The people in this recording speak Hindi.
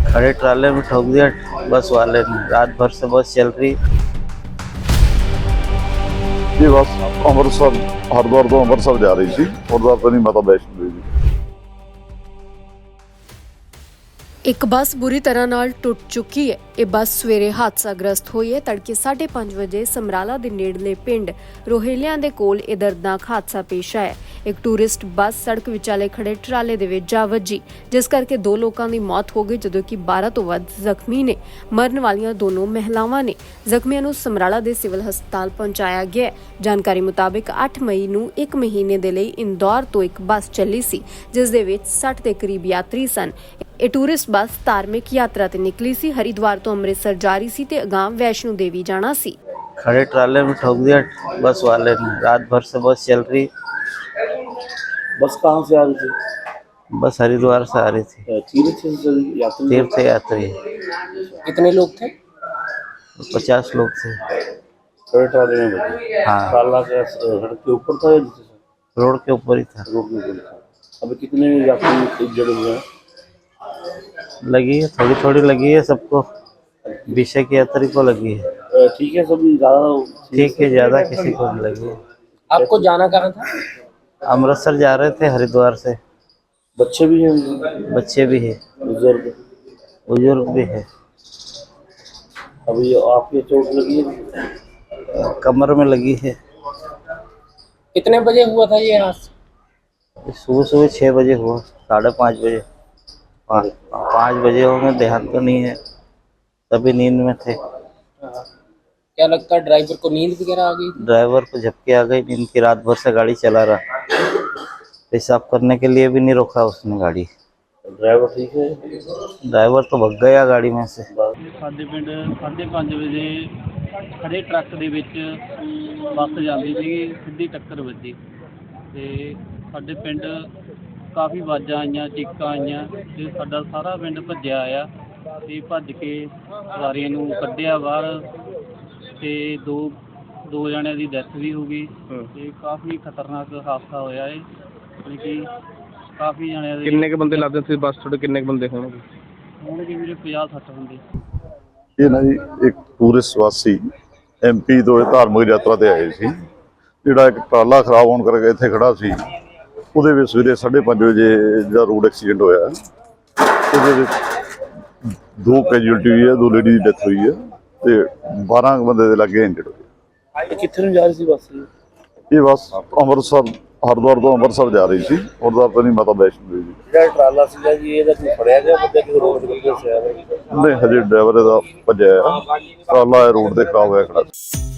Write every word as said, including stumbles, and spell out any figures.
खड़े ट्राले में ठोक दिया बस वाले ने। रात भर से बस चल रही। ये बस अमृतसर हरिद्वार तो अमृतसर जा रही थी। हरिद्वार तो नहीं, माता वैष्णो देवी। एक बस बुरी तरह नाल टुट चुकी है। ये बस सवेरे हादसाग्रस्त हुई है। तड़के साढ़े पांच बजे समराला दे नेड़ले पिंड रोहेलियां दे कोल ये दर्दनाक हादसा पेश आया। एक टूरिस्ट बस सड़क विचाले खड़े ट्राले दे विच जा वजी, जिस करके दो लोगों की मौत हो गई, जदों कि बारह तो वध जख्मी ने। मरन वालियां दोनों महिलावां ने। जख्मियों नूं समराला दे सिविल हस्पताल पहुंचाया गया। जानकारी मुताबिक अठ मई नूं एक महीने दे लई इंदौर तो एक बस चली सी, जिस दे विच साठ दे करीब यात्री सन। ये टूरिस्ट बस धार्मिक यात्रा ते निकली सी। हरिद्वार तो अमृतसर जा रही सी ते अगां वैष्णो देवी जाना सी। खड़े ट्राले में ठोक दिया बस वाले ने। रात भर से बस चल रही। बस कहाँ से आ रही थी? बस हरिद्वार से आ रही थी। तीर्थ यात्री तीर्थ यात्री। कितने लोग थे? पचास लोग थे। खड़े ट्राले में बैठे। हाँ, ट्राला के सड़क के ऊपर था या नीचे था? रोड के ऊपर ही था। रोड के ऊपर था। अभी कितने यात्री जुड़े हुए हैं? लगी है, थोड़ी थोड़ी लगी है सबको। विषय की यात्री को लगी है। अ, ठीक है, सब ज्यादा ठीक है, ज्यादा किसी को नहीं लगी है। आपको जाना कहाँ था? अमृतसर जा रहे थे हरिद्वार से। बच्चे भी हैं? बच्चे भी है, बुजुर्ग? बुजुर्ग भी है। अभी आपके चोट लगी है? कमर में लगी है। कितने बजे हुआ था ये हादसा? सुबह सुबह छः बजे हुआ, साढ़े पाँच बजे। पाँच पाँच बजे होंगे, ध्यान तो नहीं है, तभी नींद में थे। क्या लगता है ड्राइवर को नींद वगैरह आ गई? ड्राइवर को झपकी आ गई नींद की। रात भर से गाड़ी चला रहा, पेशाब करने के लिए भी नहीं रोका उसने गाड़ी। ड्राइवर ठीक है? ड्राइवर तो भग गया गाड़ी में से। ਸਾਡੇ ਪਿੰਡ ਸਾਢੇ ਪੰਜ ਵਜੇ ਖੜੇ ਟਰੱਕ ਦੇ ਵਿੱਚ ਬੱਸ ਜਾਂਦੀ ਸੀਗੀ, ਸਿੱਧੀ ਟੱਕਰ ਵੱਜੀ ਤੇ ਸਾਡੇ ਪਿੰਡ ਕਾਫੀ ਆਵਾਜ਼ਾਂ ਆਈਆਂ, ਚੀਕਾਂ ਆਈਆਂ ਤੇ ਸਾਡਾ ਸਾਰਾ ਪਿੰਡ ਭੱਜਿਆ ਆਇਆ ਤੇ ਭੱਜ ਕੇ ਸਵਾਰੀਆਂ ਨੂੰ ਕੱਢਿਆ ਬਾਹਰ ਤੇ ਦੋ ਦੋ ਜਣਿਆਂ ਦੀ ਡੈਥ ਵੀ ਹੋ ਗਈ ਤੇ ਕਾਫੀ ਖਤਰਨਾਕ ਹਾਦਸਾ ਹੋਇਆ ਏ। ਯਾਨੀ ਕਿ ਕਾਫੀ ਜਣਿਆਂ ਦੇ ਕਿੰਨੇ ਕ ਬੰਦੇ ਲੱਗਦੇ ਸੀ ਬੱਸ ਤੁਹਾਡੇ? ਕਿੰਨੇ ਕ ਬੰਦੇ ਹੋਣਗੇ? ਹੋਣਗੇ ਵੀਰੇ ਪੰਜਾਹ ਸੱਠ ਬੰਦੇ। ਇਹ ਨਾ ਜੀ ਇੱਕ ਟੂਰਿਸਟ ਵਾਸੀ ਐਮਪੀ ਤੋਂ ਇਹ ਧਾਰਮਿਕ ਯਾਤਰਾ ਤੇ ਆਏ ਸੀ। ਜਿਹੜਾ ਇੱਕ ਟਰਾਲਾ ਖਰਾਬ ਹੋਣ ਕਰਕੇ ਇੱਥੇ ਖੜਾ ਸੀ, ਉਹਦੇ ਵਿੱਚ ਸਵੇਰੇ ਸਾਢੇ ਪੰਜ ਵਜੇ ਜਿਹੜਾ ਰੋਡ ਐਕਸੀਡੈਂਟ ਹੋਇਆ, ਉਹਦੇ ਵਿੱਚ ਦੋ ਕੈਜੂਅਲਟੀ ਹੋਈ ਹੈ, ਦੋ ਲੇਡੀ ਦੀ ਡੈਥ ਹੋਈ ਹੈ ਤੇ ਬਾਰਾਂ ਬੰਦੇ ਦੇ ਲਾਗੇ ਇੰਜਰਡ ਹੋਏ। ਕਿੱਥੇ ਨੂੰ ਜਾ ਰਹੀ ਸੀ ਬੱਸ? ਇਹ ਬੱਸ ਅੰਮ੍ਰਿਤਸਰ हरिद्वार तो अमृतसर जा रही थी। हरिद्वार तो नहीं, माता वैष्णो देवी। ਜਿਹੜਾ ਟਰਾਲਾ ਸੀਗਾ ਜੀ, ਇਹਦਾ ਕੋਈ ਫੜਿਆ ਗਿਆ ਬੰਦਾ ਕਿ ਰੋਡ ਤੇ ਗਿਆ ਸੀ? नहीं, हजे ड्राइवर भज्या ट्राला रोड से खराब होया खड़ा।